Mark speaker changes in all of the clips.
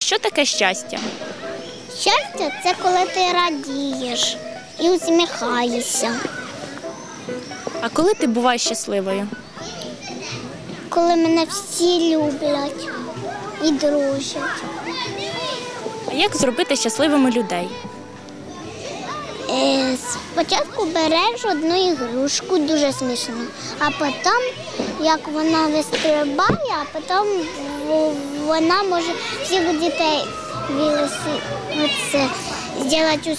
Speaker 1: Що таке щастя?
Speaker 2: Щастя – це коли ти радієш і усміхаєшся.
Speaker 1: А коли ти буваєш щасливою?
Speaker 2: Коли мене всі люблять і дружать.
Speaker 1: А як зробити щасливими людей?
Speaker 2: Спочатку береш одну ігрушку, дуже смішно, а потім, як вона вистрибає, а потім вона може всіх дітей зробити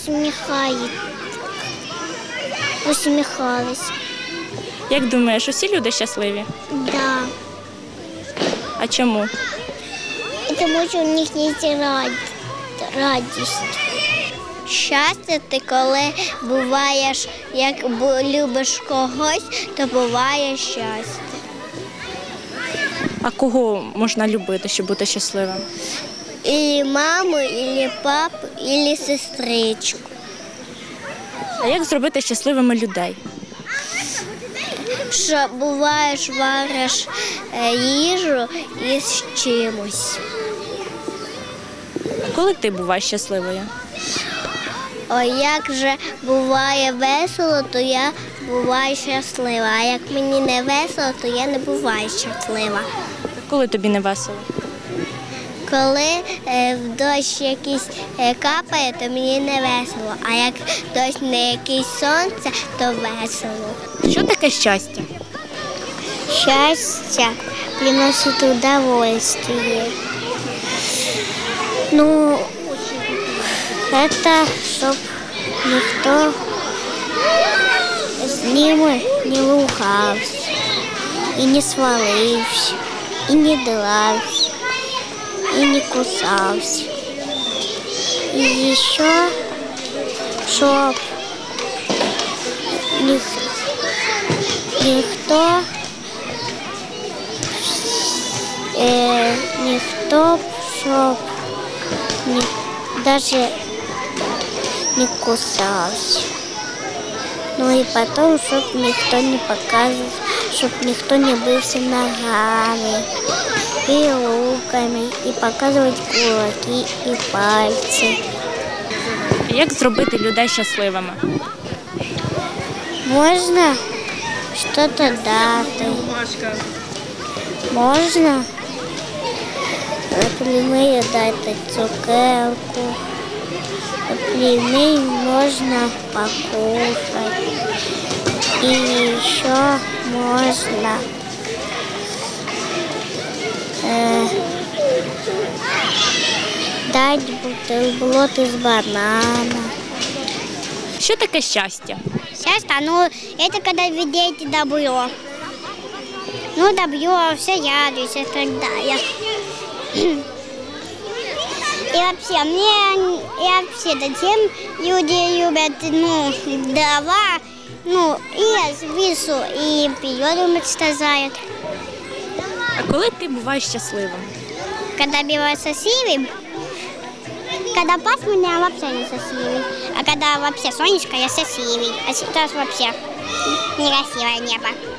Speaker 2: усміхались.
Speaker 1: Як думаєш, усі люди щасливі?
Speaker 2: Да.
Speaker 1: А чому?
Speaker 2: Тому що у них є радість. Щастя – ти коли буваєш, як любиш когось, то буває щастя.
Speaker 1: А кого можна любити, щоб бути щасливим?
Speaker 2: Ілі маму, ілі папу, ілі сестричку.
Speaker 1: А як зробити щасливими людей?
Speaker 2: Що буваєш, вариш їжу із чимось.
Speaker 1: А коли ти буваєш щасливою?
Speaker 2: О, як же буває весело, то я буваю щаслива. А як мені не весело, то я не буваю щаслива.
Speaker 1: А коли тобі не весело?
Speaker 2: Коли в дощ якийсь капає, то мені не весело. А як дощ не якийсь сонце, то весело.
Speaker 1: Що таке щастя?
Speaker 2: Щастя приносить удовольствие. Ну, это щоб ніхто з ними не лухався, і не свалився, і не дрався, і не кусався. І ще, щоб ніхто щоб даже не кусався. Ну і потім, щоб ніхто не показував, щоб ніхто не бився ногами і руками, і показувати кулаки і пальці.
Speaker 1: А як зробити людей щасливими?
Speaker 2: Можна щось дати. Можна, наприклад, дати цукерку. Например, можно покушать. И еще можно дать бутерброд из банана.
Speaker 1: Що таке щастя?
Speaker 2: Счастье, ну, это когда видите добро. Ну, добро, все радуются и так далее. И вообще, затем люди любят, дрова, и весу, и природу мечтают.
Speaker 1: А коли ти буваєш щасливим?
Speaker 2: Когда бывает счастливым, когда пасмурно, я вообще не счастливый. А когда вообще солнышко, я счастливый. А сейчас вообще некрасивое небо.